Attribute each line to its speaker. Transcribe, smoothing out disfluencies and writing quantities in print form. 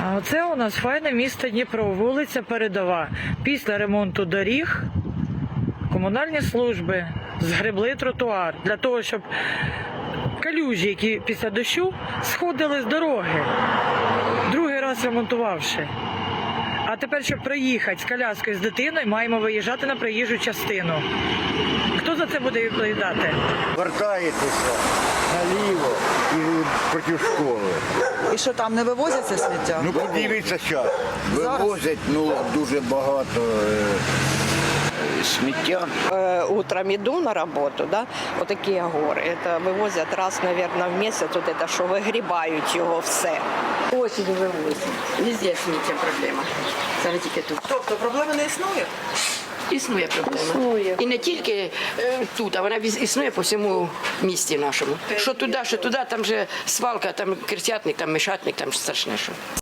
Speaker 1: А оце у нас файне місто Дніпро, вулиця Передова. Після ремонту доріг комунальні служби згребли тротуар для того, щоб калюжі, які після дощу сходили з дороги, другий раз ремонтувавши. А тепер, щоб проїхати з коляскою з дитиною, маємо виїжджати на проїжджу частину. Хто за це буде відповідати?
Speaker 2: Вертаєтеся наліво і проти школи.
Speaker 3: І що там не вивозяться сміття?
Speaker 2: Ну подивіться зараз. Вивозять дуже багато сміття.
Speaker 4: Утром иду на работу, да, вот такие горы. Это вывозят раз, наверное, в месяц, вот это, що вигрібають його все.
Speaker 5: Осінь вивозять. Везде сміття проблема. Зараз тільки тут.
Speaker 3: Тобто проблеми не існує?
Speaker 5: Існує проблема.
Speaker 4: Існує.
Speaker 5: І не тільки тут, а вона існує по всьому місті нашому. Що туди, там же свалка, там Крестятник, там Мишатник, там страшне що.